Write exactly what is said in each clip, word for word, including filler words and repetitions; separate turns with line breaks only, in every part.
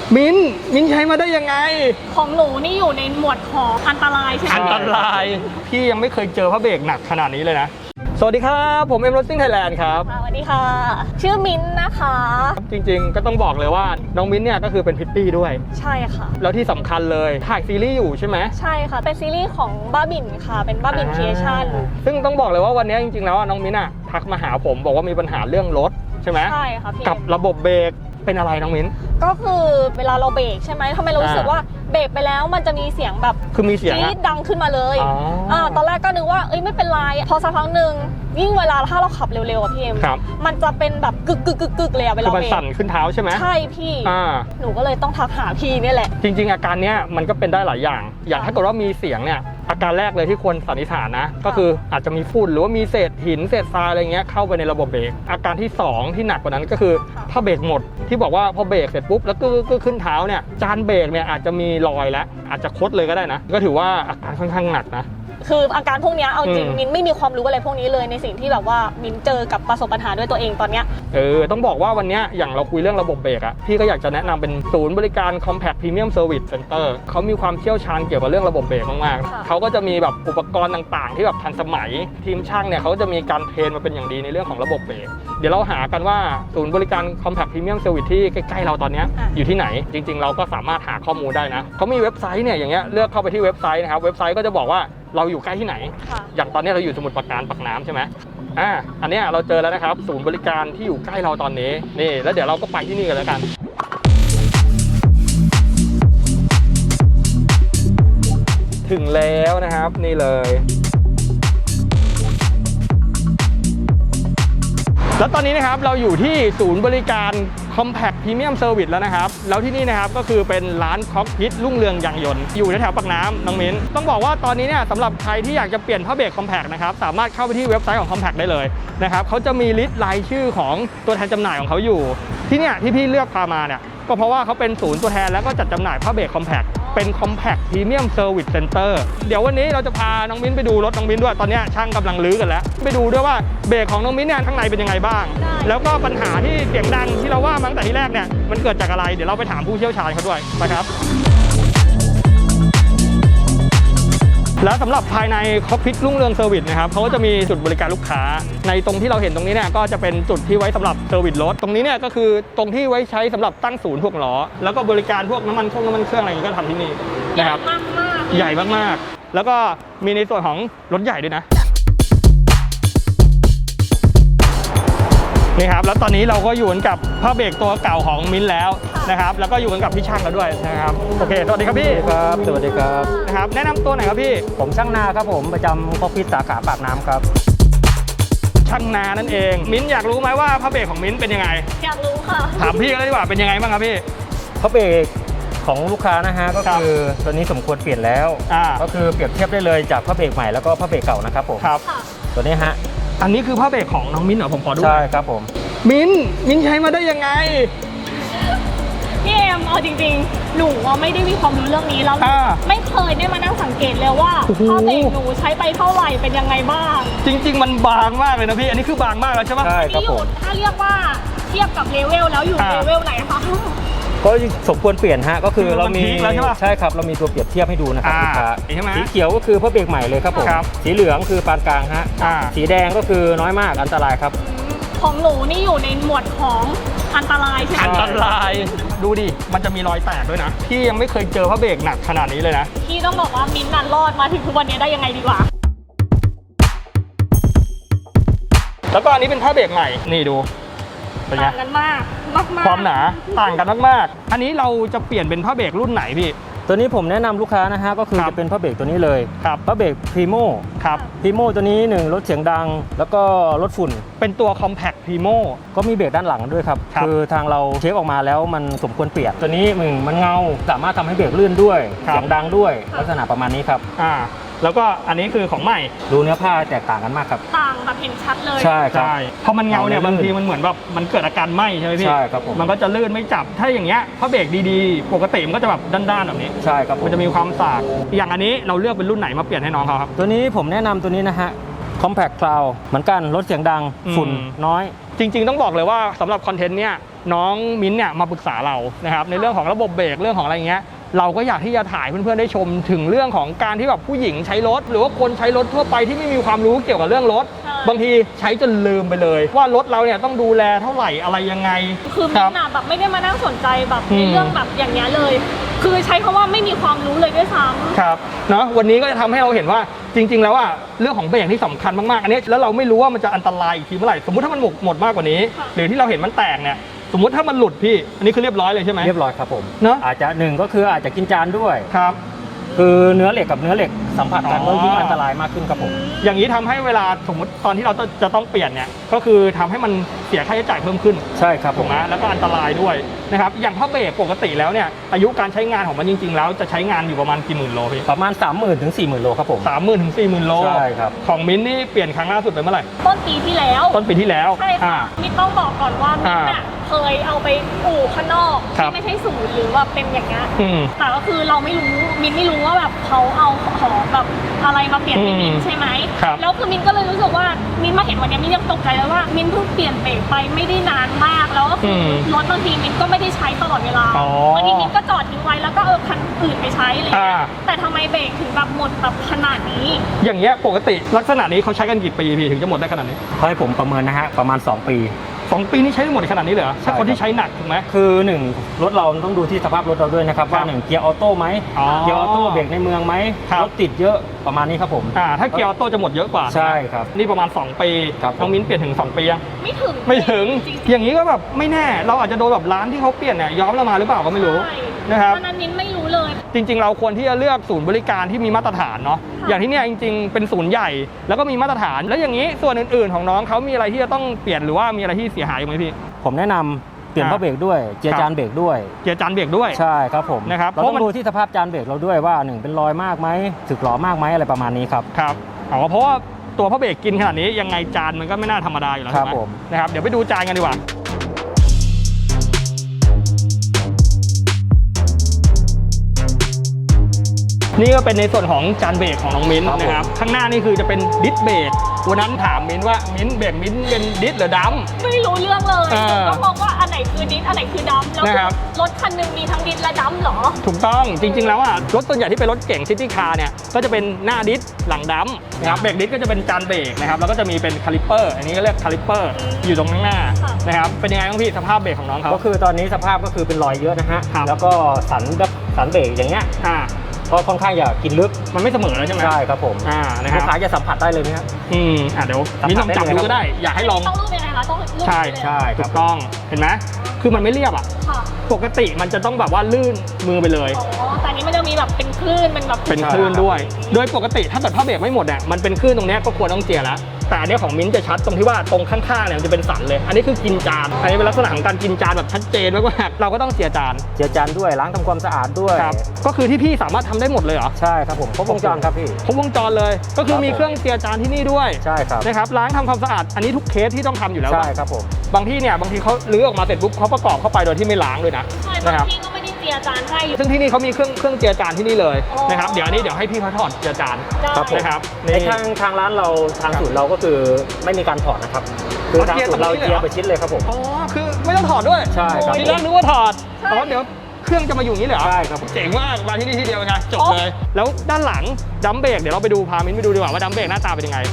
มิ้นมิ้นใช้มาได้ยังไง
ของหนูนี่อยู่ในหมวดของอันตรายใช่ไหม
อันตรายพี่ยังไม่เคยเจอพระเบรกหนักขนาดนี้เลยนะสวัสดีครับผมเอ็มรถซิ่งไทยแลนด์ครับ
สวัสดีค่ะชื่อมิ้นนะคะ
จริงๆก็ต้องบอกเลยว่าน้องมิ้นเนี่ยก็คือเป็นพิตตี้ด้วย
ใช่ค่ะ
แล้วที่สำคัญเลยถ่ายซีรีส์อยู่ใช่ไหม
ใช่ค่ะเป็นซีรีส์ของบ้าบินค่ะเป็นบ้าบินครีเอชั่น
ซึ่งต้องบอกเลยว่าวันนี้จริงๆแล้วน้องมิ้นอะทักมาหาผมบอกว่ามีปัญหาเรื่องรถใช่ไหม
ใช่ค่ะพี่
กับระบบเบรกเป็นอะไรน้องมิ้น
ก็คือเวลาเราเบรกใช่ไหมทำไมเรารู้สึกว่าเบรกไปแล้วมันจะมีเสียงแบบ
คือมีเสียง
จี๊ดดังขึ้นมาเลยอ่าตอนแรกก็นึกว่าเอ้ยไม่เป็นไรพอสักพักหนึ่งยิ่งเวลาถ้าเราขับเร็วๆอ่ะพี่เอ็มมันจะเป็นแบบกึกกึกกึกกึกเลยอะเวลาเบรก
คือมันสั่นขึ้นเท้าใช่ไหม
ใช่พี่หนูก็เลยต้องทักหาพี่นี่แหละ
จริงๆอาการเนี้ยมันก็เป็นได้หลายอย่างอย่างถ้าเกิดว่ามีเสียงเนี่ยอาการแรกเลยที่ควรสันนิษฐานนะก็คืออาจจะมีฝุ่นหรือว่ามีเศษหินเศษทรายอะไรเงี้ยเข้าไปในระบบเบรกอาการที่สองที่หนักกว่านั้นก็คือถ้าเบรกหมดที่บอกว่าพอเบรกเสร็จปุ๊บแล้วก็ขึ้นเท้าเนี่ยจานเบรกเนี่ยอาจจะมีรอยแล้วอาจจะคดเลยก็ได้นะก็ถือว่าอาการค่อนข้างหนักนะ
คืออาการพวกนี้เอาจริงมินไม่มีความรู้อะไรพวกนี้เลยในสิ่งที่แบบว่ามินเจอกับประสบปัญหาด้วยตัวเองตอนเนี้ย
เออต้องบอกว่าวันนี้อย่างเราคุยเรื่องระบบเบรกอะพี่ก็อยากจะแนะนำเป็นศูนย์บริการ Compact Premium Service Center เขามีความเชี่ยวชาญเกี่ยวกับเรื่องระบบเบรกมากๆเขาก็จะมีแบบอุปกรณ์ต่างๆที่แบบทันสมัยทีมช่างเนี่ยเขาจะมีการเทรนมาเป็นอย่างดีในเรื่องของระบบเบรกเดี๋ยวเราหากันว่าศูนย์บริการ Compact Premium Service ที่ใกล้ๆเราตอนนี้อยู่ที่ไหนจริงๆเราก็สามารถหาข้อมูลได้นะเขามีเว็บไซต์เนี่ยอย่างเงี้ยเลือกเข้าไปที่เว็บไซต์นะครับเว็บไซต์ก็จะบอกว่าเราอยู่ใกล้ที่ไหนอย่างตอนนี้เราอยู่สมุทรปราการปากน้ำใช่ไหมอ่าอันนี้เราเจอแล้วนะครับศูนย์บริการที่อยู่ใกล้เราตอนนี้นี่แล้วเดี๋ยวเราก็ไปที่นี่กันแล้วกันถึงแล้วนะครับนี่เลยแล้วตอนนี้นะครับเราอยู่ที่ศูนย์บริการ Compact Premium Service แล้วนะครับแล้วที่นี่นะครับก็คือเป็นร้านค็อกพิทรุ่งเรืองยางยนต์อยู่แถวๆปากน้ำน้องมิ้นต้องบอกว่าตอนนี้เนี่ยสำหรับใครที่อยากจะเปลี่ยนผ้าเบรก Compact นะครับสามารถเข้าไปที่เว็บไซต์ของ Compact ได้เลยนะครับเขาจะมีลิสต์รายชื่อของตัวแทนจำหน่ายของเขาอยู่ที่เนี่ยที่พี่เลือกพามาเนี่ยก็เพราะว่าเขาเป็นศูนย์ตัวแทนแล้วก็จัดจำหน่ายผ้าเบรก Compact เป็น Compact Premium Service Center เดี๋ยววันนี้เราจะพาน้องมิ้นไปดูรถน้องมิ้นด้วยตอนนี้ช่างกำลังลื้อกันแล้วไปดูด้วยว่าเบรกของน้องมิ้นเนี่ยข้างในเป็นยังไงบ้างแล้วก็ปัญหาที่เสียงดังที่เราว่ามาตั้งแต่ที่แรกเนี่ยมันเกิดจากอะไรเดี๋ยวเราไปถามผู้เชี่ยวชาญเขาด้วยนะครับแล้วสำหรับภายในค็อกพิทรุ่งเรืองเซอร์วิสนะครับเขาก็จะมีจุดบริการลูกค้าในตรงที่เราเห็นตรงนี้เนี่ยก็จะเป็นจุดที่ไว้สำหรับเซอร์วิสรถตรงนี้เนี่ยก็คือตรงที่ไว้ใช้สำหรับตั้งศูนย์พวกล้อแล้วก็บริการพวกน้ำมันเครื่องน้ำมันเครื่องอะไรอย่างนี้ก็ทำที่นี่นะครับใหญ่มากๆแล้วก็มีในส่วนของรถใหญ่ด้วยนะนี่ครับแล้วตอนนี้เราก็อยู่กันกับผ้าเบรกตัวเก่าของมิ้นแล้วนะครับแล้วก็อยู่กันกับพี่ช่างแล้วด้วยนะครับโอเคสวัสดีครับพี่
ครับสวัสดีครับ
นะครับแนะนำตัวหน่อยครับพี่
ผมช่างนาครับผมประจำค็อกพิทสาขาปากน้ำครับ
ช่างนานั่นเองมิ้นอยากรู้ไหมว่าผ้าเบรกของมิ้นเป็นยังไง
อยากรู้ค่ะ
ถามพี่กันเลยดีกว่าเป็นยังไงบ้างครับพี่
ผ้าเบรกของลูกค้านะฮะก็คือตัวนี้สมควรเปลี่ยนแล้วก็คือเปรียบเทียบได้เลยจากผ้าเบรกใหม่แล้วก็ผ้าเบรกเก่านะครับผม
ครับ
ตัวนี้ฮะ
อันนี้คือผ้าเบรกของน้องมิ้นเหรอผมขอดู
ใช่ครับผม
มิ้นมิ้นใช้มาได้ยังไง
พี่เอ็มเอาจริงๆหนูว่าไม่ได้มีความรู้เรื่องนี้แล้วไม่เคยได้มานั่งสังเกตเลยว่าผ้าเบรกหนูใช้ไปเท่าไหร่เป็นยังไงบ้าง
จริงๆมันบางมากเลยนะพี่อันนี้คือบางมากแล้วใช่ไหม
ใช่ครับผม
ถ้าเรียกว่าเทียบกับเลเวลแล้วอยู่เลเวลไหนคะ
ก็สมควรเปลี่ยนฮะก็คือเรามีใช่ครับเรามีตัวเปรียบเทียบให้ดูนะครับลูกค้าสีเขียวก็คือผ้าเบรกใหม่เลยครับผมสีเหลืองคือปานกลางฮะสีแดงก็คือน้อยมากอันตรายครับ
ของหนูนี่อยู่ในหมวดของอันตรายใช่ไหม
อันตรายดูดิมันจะมีรอยแตกด้วยนะพี่ยังไม่เคยเจอผ้าเบรกหนักขนาดนี้เลยนะ
พี่ต้องบอกว่ามิ้นท์นันรอดมาถึงทุกวันนี้ได้ยังไงดีกว่า
แล้วก็อันนี้เป็นผ้าเบรกใหม่นี่ดู
ต่างกันมากมาก
ความหนาต่างกันมากๆอันนี้เราจะเปลี่ยนเป็นผ้าเบรกรุ่นไหนพี่
ตัวนี้ผมแนะนำลูกค้านะฮะก็คือจะเป็นผ้าเบรกตัวนี้เลย
ครับ
ผ้าเบรกพรีโม
ครับ
พรีโมตัวนี้หนึ่งลดเสียงดังแล้วก็ลดฝุ่น
เป็นตัว Compact Primo
ก็มีเบรกด้านหลังด้วยครับคือทางเราเช็คออกมาแล้วมันสมควรเปลี่ยนตัวนี้มึงมันเงาสามารถทำให้เบรกลื่นด้วยเสียงดังด้วยลักษณะประมาณนี้ครับ
อ่าแล้วก็อันนี้คือของใหม่
ดูเนื้อผ้าแตกต่างกันมากครับ
ต่างแบบเห็นชัดเลย
ใช่ครับ
พอมันเงาเนี่ยบางทีมันเหมือนแบบมันเกิดอาการไหม้ใช่ไหมพี่
ใช่ครับผม
มันก็จะลื่นไม่จับถ้าอย่างเงี้ยผ้าเบรกดีๆปกติมันก็จะแบบด้านๆแบบนี้
ใช่ครับ
มันจะมีความสากอย่างอันนี้เราเลือกเป็นรุ่นไหนมาเปลี่ยนให้น้องเขาครับ
ตัวนี้ผมแนะนำตัวนี้นะฮะ Compact Cloud เหมือนกันลดเสียงดังฝุ่นน้อย
จริงๆต้องบอกเลยว่าสำหรับคอนเทนต์เนี้ยน้องมิ้นเนี่ยมาปรึกษาเรานะครับในเรื่องของระบบเบรกเรื่องของอะไรเงี้ยเราก็อยากที่จะถ่ายเพื่อนๆได้ชมถึงเรื่องของการที่แบบผู้หญิงใช้รถหรือว่าคนใช้รถทั่วไปที่ไม่มีความรู้เกี่ยวกับเรื่องรถบางทีใช้จนลืมไปเลยว่ารถเราเนี่ยต้องดูแลเท่าไหร่อะไรยังไง
คือมิ้นท์แบบไม่ได้มานั่งสนใจแบบในเรื่องแบบอย่างเงี้ยเลยคือใช้คำว่าไม่มีความรู้เลยด้วยซ้ำ
ครับเนาะวันนี้ก็จะทำให้เราเห็นว่าจริงๆแล้วอะเรื่องของเบรกที่สำคัญมากๆอันนี้แล้วเราไม่รู้ว่ามันจะอันตรายอีกทีเมื่อไหร่สมมติถ้ามันหมดหมดมากกว่านี้หรือที่เราเห็นมันแตกเนี่ยสมมติถ้ามันหลุดพี่อันนี้คือเรียบร้อยเลยใช่ไหม
เรียบร้อยครับผม
เนาะ
อาจจะหนึ่งก็คืออาจจะกินจานด้วย
ครับ
คือเนื้อเหล็กกับเนื้อเหล็กสัมผัสกันก็ยิ่งอันตรายมากขึ้นครับผม
อย่างนี้ทำให้เวลาสมมติตอนที่เราจะต้องเปลี่ยนเนี่ยก็คือทำให้มันเสียค่าใช้จ่ายเพิ่มขึ้น
ใช่ครับ
ถูกไหมแล้วก็อันตรายด้วยนะครับอย่างผ้าเบรกปกติแล้วเนี่ยอายุการใช้งานของมันจริงๆแล้วจะใช้งานอยู่ประมาณกี่หมื่นโลพี่
ประมาณ สามหมื่น ถึง สี่หมื่น โลครับผม
สามหมื่นถึงสี่หมื่นโล
ใช่ครับ
ของมิ้นนี่เปลี่ยนครั้งล่าสุดไปเมื่อไหร่
ต้นปีที่แล้ว
ต้นปีที่แล้ว
ใช่ค่ะมิ้นต้องบอกก่อนว่ามิ้นเนี่ยเคยเอาไปอู่ข้างนอกที่ไม่ใช่ศูนย์หรือว่าเป็นอย่างเงี้ยแต่ก็คือเราไม่รู้มิ้นไม่รู้ว่าแบบเขาเอาของแบบอะไรมาเปลี่ยนให้มิ้นใช่ไหมแล้วคือมิ้นก็เลยรู้สึกว่ามิ้นมาเห็นวันนี้มิ้นยังตกใจเลยว่ามิ้นเพิ่งเปลี่ยนเบรกไปไม่ได้นานมากแล้วก็คือรถบางทีมิ้นก็ไม่ได้ใช้ตลอดเวลาบางทีมิ้นก็จอดทิ้งไว้แล้วก็เออคันอื่นไปใช้เลยแต่ทำไมเบรกถึงแบบหมดแบบขนาดนี้
อย่างเงี้ยปกติลักษณะนี้เขาใช้กันกี่ปีพี่ถึงจะหมดได้ขนาดนี้
ให้ผมประเมินนะฮะประมาณสองปี
สองปีนี้ใช้หมดขนาดนี้เลยเหรอถ้าคนที่ใช้หนักถูกไหม
คือหนึ่งรถเราต้องดูที่สภาพรถเราด้วยนะครับว่าหนึ่งเกียร์ออโต้ไหมเกียร์ออโต้เบรกในเมืองไหมรถติดเยอะประมาณนี้ครับผม
อ่าถ้าเกียร์ออโต้จะหมดเยอะกว่า
ใช่ครับ
นี่ประมาณสองปีน้องมิ้นเปลี่ยนถึงสองปียัง
ไม่ถึง
ไม่ถึงอย่างนี้ก็แบบไม่แน่เราอาจจะโดนแบบร้านที่เขาเปลี่ยนเนี่ยย้อมเรามาหรือเปล่าก็ไม่รู้นะครับ
ตอนนั้นมิ้นไม่รู้เลย
จริงๆเราควรที่จะเลือกศูนย์บริการที่มีมาตรฐานเนาะอย่างที่เนี่ยจริงๆเป็นศูนย์ใหญ่แล้วก็มีมาตรฐานแล้วอย่างนี้ส่วนอื่นๆของน้องเขามีอะไรที่จะต้องเปลี่ยนหรือว่ามีอะไรที่เสียหายไหมพี่
ผมแนะนำเปลี่ยนผ้าเบรกด้วยเจียร์จานเบรกด้วย
เจียร์จานเบรกด้วย
ใช่ครับผม
นะครับ
เราต้องดูที่สภาพจานเบรกเราด้วยว่าหนึ่งเป็นรอยมากไหมสึกหรอมากไหมอะไรประมาณนี้ครับ
ครับอ๋อเพราะว่าตัวผ้าเบรกกินขนาดนี้ยังไงจานมันก็ไม่น่าธรรมดาอยู่แล้ว
ครับผม
นะครับเดี๋ยวไปดูจานกันดีกว่านี่ก็เป็นในส่วนของจานเบรกของน้องมิ้นนะครับข้างหน้านี่คือจะเป็นดิสเบรกวันนั้นถามมิ้นว่ามิ้นเบรกมิ้นเป็นดิสหรือดัม
ไม่รู้เรื่องเลยก็มองว่าอันไหนคือดิสอันไหนคือดัมแล้วรถคันนึงมีทั้งดิสและดัมเหรอ
ถูกต้องจริงๆแล้วอ่ะรถส่วนใหญ่ที่เป็นรถเก่งซิตี้คาร์เนี่ยก็จะเป็นหน้าดิสหลังดัมนะครับเบรกดิสก็จะเป็นจานเบรกนะครับแล้วก็จะมีเป็นคาลิปเปอร์อันนี้ก็เรียกคาลิปเปอร์อยู่ตรงข้างหน้านะครับเป็นยังไงบ้างพี่สภาพเบรกของน้องเขา
ก็คือตอนนี้สภาพก็คือเป็นรอยเยอะนะฮะแล้วก็สันแบบสันเบรกอย่างเงี้ยก็ค่อนข้างอยากกินลึก
มันไม่เสมอแล้วใช่ไหม
ใช่ครับผม
อ่านะครับ
ลูกค้าจะสัมผัสได้เลยไหมครับ
อืมอ่าเดี๋ยวมิ้นลองจับดูก็ได้อยากให้ลอง
ต้องรูปยังไงคะต้องรูป
ใช่ใช่ถูกต้องเห็นไหมคือมันไม่เรียบอ่ะปกติมันจะต้องแบบว่าลื่นมือไปเลย
อ๋อแต่นี้มันจะมีแบบเป็นคลื่นมันแบบ
เป็นคลื่นด้วยโดยปกติถ้าเกิดผ้าเบรกไม่หมดเนี่ยมันเป็นคลื่นตรงนี้ก็ควรต้องเจียร์แล้วแต่อันนี้ของมิ้นจะชัดตรงที่ว่าตรงข้างๆเนี่ยมันจะเป็นสันเลยอันนี้คือกินจานอันนี้เป็นลักษณะของการกินจานแบบชัดเจนมากๆเราก็ต้องเจียร์จาน
เจียร์จานด้วยล้างทำความสะอาดด้วย
ครับก็คือที่พี่สามารถทำได้หมดเลยเหรอ
ใช่ครับผมครบวงจรครับพี่
ครบวงจรเลยก็คือมีเครื่องเจียร์จานที่นี่ด้วย
ใช่ครับ
นะครับล้างทำความสะอาดอันนี้ทุกเคสที่ต้องทำอยู่แล้ว
ใช่ครับผม
บางที่เนี่ยบางทีเขาลื้อออกมาเสร็จปุ๊บเขาประกอบเข้าไปโดยที่ไม่ล้างด้วยนะ
นะครับที่ก็ไม่ได้เจียร์จานให้
ซึ่งที่นี่เขามีเครื่องเครื่องเจียร์จานที่นี่เลยนะครับเดี๋ยวอันนี้เดี๋ยวให้พี่เขาถอดเจียร์จาน
นะครับในทางทางร้านเราทางศูนย์เราก็คือไม่มีการถอดนะครับคือทางศูนย์เราเจียร์ไปชิ้นเลยครับผม
อ๋อคือไม่ต้องถอดด้วย
ใช่ครับ
ทีแรกนึกว่าถอดอ๋อเดี๋ยวเครื่องจะมาอยู่นี้เหรอ
ใช่ครับ
เจ๋งมากมาที่นี่ที่เดียวไงจบเลยแล้วด้านหลังดัมเบรกเดี๋ยวเราไปดูพามิ้นไปดูดีกว่าว่าดัมเบรกหน้าตาเป็นยังไง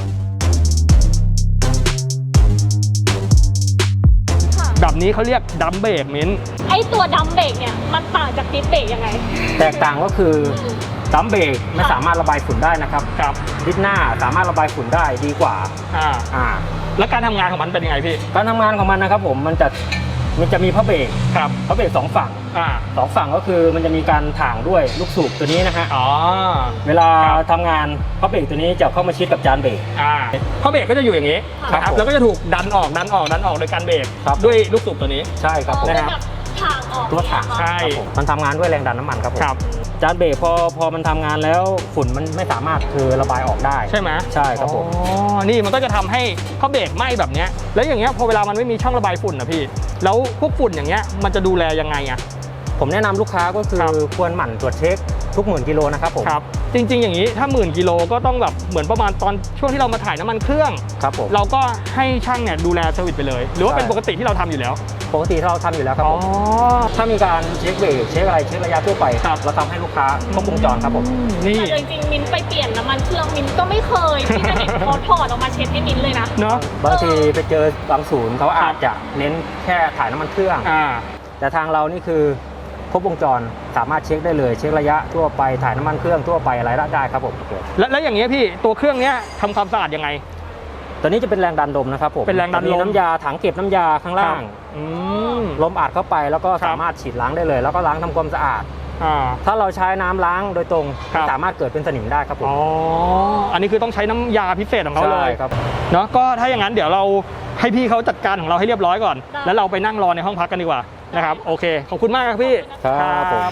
แบบนี้เขาเรียกดัมเบรกมิ้น
ไอตัวดัมเบรกเนี่ยมันต่างจากดิสเบรกยังไง
แตกต่างก็คือดัมเบรกไม่สามารถระบายฝุ่นได้นะครับ
ครับ
ดิสหน้าสามารถระบายฝุ่นได้ดีกว่า
อ่า
อ่า
แล้วการทำงานของมันเป็นยังไงพี่
การทำงานของมันนะครับผมมันจะมันจะมีผ้าเบรก
ครับ
ผ้าเบรกสองฝั่ง
อ่า
สองฝั่งก็คือมันจะมีการถ่างด้วยลูกสูบตัวนี้นะฮะ
อ๋อ
เวลาทำงานผ้าเบรกตัวนี้จะเข้ามาชิดกับจานเบรก
อ่าผ้าเบรกก็จะอยู่อย่างนี้นะครับแล้วก็จะถูกดันออกดันออกดันออกโดยการเบรกด้วยลูกสูบตัวนี้
ใช่ครับ
นะครับถ่างออก
ตัวถ่าง
ใช่
มันทำงานด้วยแรงดันน้ำมันครับผมจานเบรกพอพอมันทำงานแล้วฝุ่นมันไม่สามารถคือระบายออกได้
ใช่ไหม
ใช่ครับผม
อ๋อนี่มันก็จะทำให้ผ้าเบรกไหม้แบบนี้แล้วอย่างเงี้ยพอเวลามันไม่มีช่องระบายฝุ่นนะพี่แล้วพวกฝุ่นอย่างเงี้ยมันจะดูแลยังไงอ่ะ
ผมแนะนำลูกค้าก็คือควรหมั่นตรวจเช็คทุกหมื่นกิโลนะครับผม
ครับจริงๆอย่างนี้ถ้าหมื่นกิโลก็ต้องแบบเหมือนประมาณตอนช่วงที่เรามาถ่ายน้ำมันเครื่อง
ครับผม
เราก็ให้ช่างเนี่ยดูแลเซอร์วิสไปเลยหรือว่าเป็นปกติที่เราทำอยู่แล้ว
ปกติเราทำอยู่แล้วครับผมถ้ามีการเช็คเบรกเช็คอะไรเช็คระยะทั่วไปเราทำให้ลูกค้าครบวงจรครับผม
นี่
แต่จริงๆมิ้นไปเปลี่ยนน้ำมันเครื่องมิ้นก็ไม่เคยที่จะเห็นเขาถอดออกมาเช็ดให้มิ้นเลยนะ
เนาะ
บางทีไปเจอบางศูนย์เขาอาจจะเน้นแค่ถ่ายน้ำมันเครื่องแต่ทางเรานี่คือครบวงจรสามารถเช็คได้เลยเช็คระยะทั่วไปถ่ายน้ำมันเครื่องทั่วไปอะไรได้ครับผม
แล้วแล้วอย่างเงี้ยพี่ตัวเครื่องเนี้ยทำความสะอาดยังไง
ตัวนี้จะเป็นแรงดันลมนะครับผม
เป็นแรงดันลม
น้ำยาถังเก็บน้ำยาข้างล่างลมอัดเข้าไปแล้วก็สามารถฉีดล้างได้เลยแล้วก็ล้างทำความสะอาดถ้าเราใช้น้ำล้างโดยตรงสามารถเกิดเป็นสนิมได้ครับผม
อ๋ออันนี้คือต้องใช้น้ำยาพิเศษของเขาเลย
ครับ
เนาะก็ถ้าอย่างนั้นเดี๋ยวเราให้พี่เขาจัดการของเราให้เรียบร้อยก่อนแล้วเราไปนั่งรอในห้องพักกันดีกว่านะครับโอเคขอบคุณมากครับพี่
ครับผม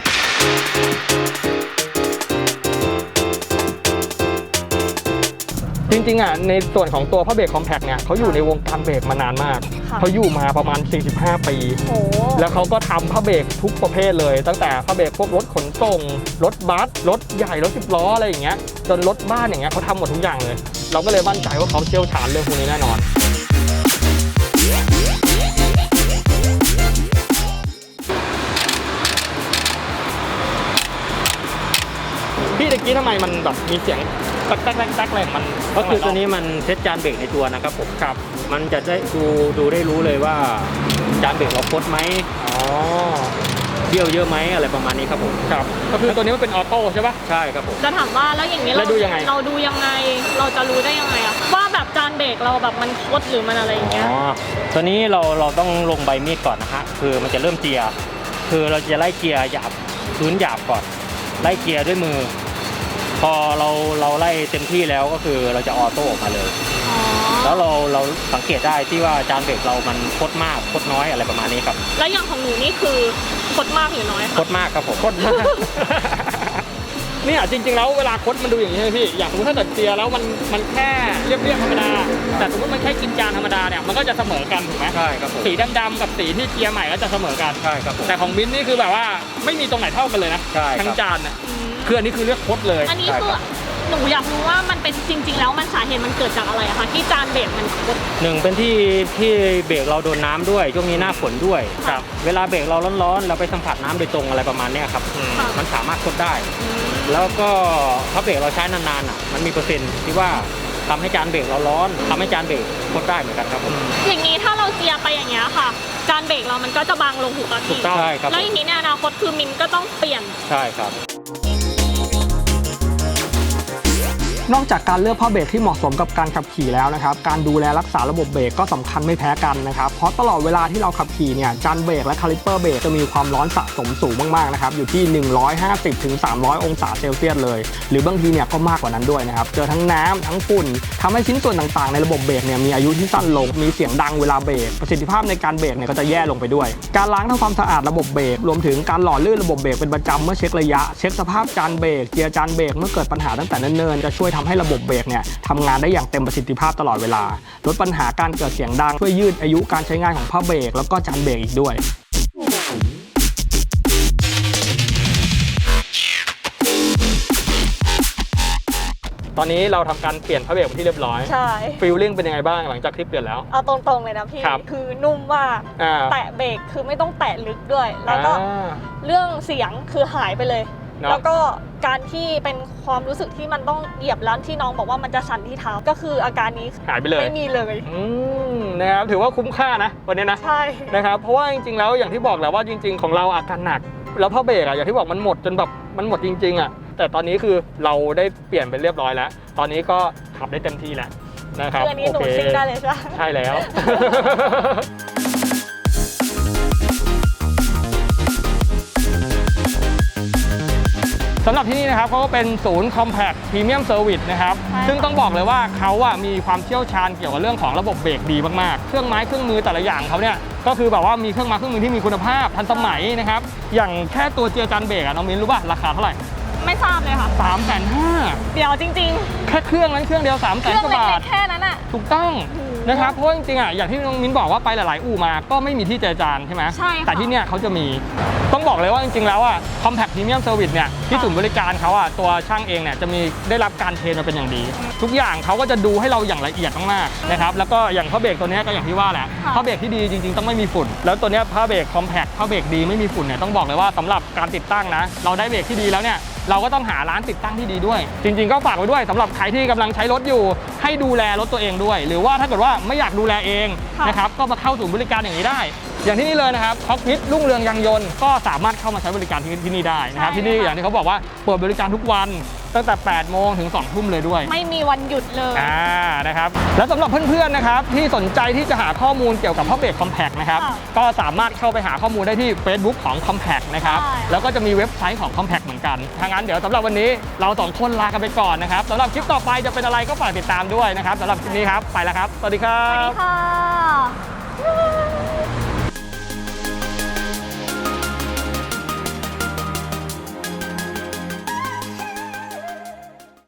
จริงๆอ่ะในส่วนของตัวผ้าเบรกคอมแพคเนี่ยเขาอยู่ในวงการเบรกมานานมากเขาอยู่มาประมาณสี่สิบห้าปีแล้วเขาก็ทำผ้าเบรกทุกประเภทเลยตั้งแต่ผ้าเบรกพวกรถขนส่งรถบัสรถใหญ่รถสิบล้ออะไรอย่างเงี้ยจนรถบ้านอย่างเงี้ยเขาทำหมดทุกอย่างเลยเราก็เลยมั่นใจว่าเขาเชี่ยวชาญเรื่องพวกนี้แน่นอนพี่ตะกี้ทำไมมันแบบมีเสียงแต๊กแต๊กแต๊กอะไรมัน
ก็คือตัวนี้มันเซตจานเบรกในตัวนะครับผมครับมันจะได้ดูดูได้รู้เลยว่าจานเบรกเราคดไหมอ๋อเบี้ยวเยอะไหมอะไรประมาณนี้ครับผม
ครับก็คือตัวนี้มันเป็นออโต้ใช่ปะ
ใช่ครับผม
จะถามว่าแล้วอย่างนี้เราดูยังไงเราดูยังไงเราจะรู้ได้ยังไงอะว่าแบบจานเบรกเราแบบมันคดหรือมันอะไรอย่างเงี้ย
อ๋อตัวนี้เราเราต้องลงใบมีดก่อนนะฮะคือมันจะเริ่มเจียคือเราจะไล่เกียร์หยาบพื้นหยาบก่อนไล่เกียร์ด้วยมือพอเราเราไล่เต็มที่แล้วก็คือเราจะออโต้ออกมาเลยแล้วเราเราสังเกตได้ที่ว่าจานเบรกเรามันคดมากคดน้อยอะไรประมาณนี้ครับ
แล้วอย่างของหนูนี่คือคดมากหรือน้อย
คดมากครับผม
คดมากเนี่ยจริงๆแล้วเวลาคดมันดูอย่างนี้ใช่ไหมพี่อย่างสมมติถ้าตัดเกียร์แล้วมันมันแค่เรียบๆธรรมดาแต่สมมติมันแค่กินจานธรรมดาเนี่ยมันก็จะเสมอกันถูกไหม
ใช่ครับผม
สีดำๆกับสีที่เกียร์ใหม่ก็จะเสมอกัน
ใช่ครับผม
แต่ของมิ้นนี่คือแบบว่าไม่มีตรงไหนเท่ากันเลยนะทั้งจานเนี่ยคืออันนี้คือเรียกคดเลย
อันนี้คือหนูอยากรู้ว่ามันเป็นจริงๆแล้วมันสาเหตุมันเกิดจากอะไรอะคะที่จานเบรกมันคด
หนึ่งเป็นที่ที่เบรกเราโดนน้าด้วยช่วงนี้หน้าฝนด้วยครับเวลาเบรกเราร้อนๆเราไปสัมผัสน้ำโดยตรงอะไรประมาณนี้ครับมันสามารถคดได้แล้วก็ถ้าเบรกเราใช้นานๆอ่ะมันมีเปอร์เซ็นต์ที่ว่าทำให้จานเบรกเราร้อนทำให้จานเบรกคดได้เหมือนกันครับผม
อย่างนี้ถ้าเราเจียไปอย่างเงี้ยค่ะจานเบรกเรามันก็จะบางลงถูกต้อง
ถูกต้องครับ
แล้วอย่างนี้ในอนาคตคือมินก็ต้องเปลี่ยน
ใช่ครับ
นอกจากการเลือกผ้าเบรกที่เหมาะสมกับการขับขี่แล้วนะครับการดูแลรักษาระบบเบรกก็สำคัญไม่แพ้กันนะครับเพราะตลอดเวลาที่เราขับขี่เนี่ยจานเบรกและคาลิปเปอร์เบรกจะมีความร้อนสะสมสูงมากๆนะครับอยู่ที่หนึ่งร้อยห้าสิบถึงสามร้อยองศาเซลเซียสเลยหรือบางทีเนี่ยก็มากกว่านั้นด้วยนะครับเจอทั้งน้ำทั้งฝุ่นทำให้ชิ้นส่วนต่างๆในระบบเบรกเนี่ยมีอายุที่สั้นลงมีเสียงดังเวลาเบรกประสิทธิภาพในการเบรกเนี่ยก็จะแย่ลงไปด้วยการล้างทำความสะอาดระบบเบรกรวมถึงการหล่อลื่นระบบเบรกเป็นประจำเมื่อเช็คระยะเช็คสภาพจานเบรกเกียร์จานเบรกเมื่อเกิดปัญหาตั้งแต่เนิ่นๆจะช่วยทำให้ระบบเบรกทำงานได้อย่างเต็มประสิทธิภาพตลอดเวลาลดปัญหาการเกิดเสียงดังช่วยยืดอายุการใช้งานของผ้าเบรกแล้วก็จานเบรกอีกด้วยตอนนี้เราทำการเปลี่ยนผ้าเบรกที่เรียบร้อย
ใช่
ฟีลลิ่งเป็นยังไงบ้างหลังจากที่เปลี่ยนแล้ว
เอาตรงๆเลยนะพี่คือนุ่มมากแตะเบรกคือไม่ต้องแตะลึกด้วยแล้วก็เรื่องเสียงคือหายไปเลยแล้วก็การที่เป็นความรู้สึกที่มันต้องเหยียบแล้วที่น้องบอกว่ามันจะสั่นที่เท้าก็คืออาการนี้
หายไปเลย
ไม่มีเลย
นะครับถือว่าคุ้มค่านะวันนี้นะ
ใช่
นะครับเพราะว่าจริงๆแล้วอย่างที่บอกแหละว่าจริงๆของเราอาการหนักแล้วผ้าเบรกอะอย่างที่บอกมันหมดจนแบบมันหมดจริงๆอะแต่ตอนนี้คือเราได้เปลี่ยนไปเรียบร้อยแล้วตอนนี้ก็ขับได้เต็มที่แล้วนะครับ
โอเคซิ่งได้เลยใช่
ใช่แล้วสำหรับที่นี่นะครับเขาก็เป็นศูนย์ Compact Premium Service นะครับซึ่งต้องบอกเลยว่าเขาอะมีความเชี่ยวชาญเกี่ยวกับเรื่องของระบบเบรกดีมากๆเครื่องไม้เครื่องมือแต่ละอย่างเขาเนี่ยก็คือแบบว่ามีเครื่องไม้เครื่องมือที่มีคุณภาพทันสมัยนะครับอย่างแค่ตัวเจียร์จานเบรกอะน้องมิ้นรู้ป่ะราคาเท่าไหร่
ไม่ทราบเลยค่ะ
สามแสนห้า
เดี๋ยวจริง
ๆแค่เครื่องนั้นเครื่องเดียวสามแสนกว่าบาท
แค่นั้นอะ
ถูกต้องนะครับเพราะจริงๆอ่ะอย่างที่น้องมิ้นบอกว่าไปหลายๆอู่มาก็ไม่มีที่เจรจานใช่ไหม
ใช่ค่ะ
แต่ที่เนี่ยเขาจะมีต้องบอกเลยว่าจริงๆแล้วอ่ะ Compact Premium Service เนี่ยที่ศูนย์บริการเขาอ่ะตัวช่างเองเนี่ยจะมีได้รับการเทรนมาเป็นอย่างดี ทุกอย่างเขาก็จะดูให้เราอย่างละเอียดมากๆนะครับแล้วก็อย่างผ้าเบรกตัวนี้ก็อย่างที่ว่าแหละผ้าเบรกที่ดีจริงๆต้องไม่มีฝุ่นแล้วตัวนี้ผ้าเบรก Compact ผ้าเบรกดีไม่มีฝุ่นเนี่ยต้องบอกเลยว่าสำหรับการติดตั้งนะเราได้เบรกที่ดีแล้วเนี่ยเราก็ต้องหาร้านติดตั้งที่ดีด้วยจริงๆก็ฝากไว้ด้วยสำหรับใครที่กำลังใช้รถอยู่ให้ดูแลรถตัวเองด้วยหรือว่าถ้าเกิดว่าไม่อยากดูแลเองนะครับก็มาเข้าศูนย์บริการอย่างนี้ได้อย่างที่นี่เลยนะครับคอกพิทรุ่งเรืองยางยนต์ก็สามารถเข้ามาใช้บริการที่ที่นี่ได้นะครับที่นี่อย่างที่เขาบอกว่าเปิดบริการทุกวันตั้งแต่แปดโมงถึงสองทุ่มเลยด้วย
ไม่มีวันหยุดเลย
อ่านะครับแล้วสำหรับเพื่อนๆนะครับที่สนใจที่จะหาข้อมูลเกี่ยวกับผ้าเบรก Compact นะครับก็สามารถเข้าไปหาข้อมูลได้ที่ Facebook ของ Compact นะครับแล้วก็จะมีเว็บไซต์ของ Compact เหมือนกันถ้างั้นเดี๋ยวสำหรับวันนี้เราสองคนลากันไปก่อนนะครับสำหรับคลิปต่อไปจะเป็นอะไรก็ฝากติดตามด้วยนะครับสำหรับคลิปนี้ครับไปแล้วครับสวัสดีครั
สวัสดี
บ
ค่ะ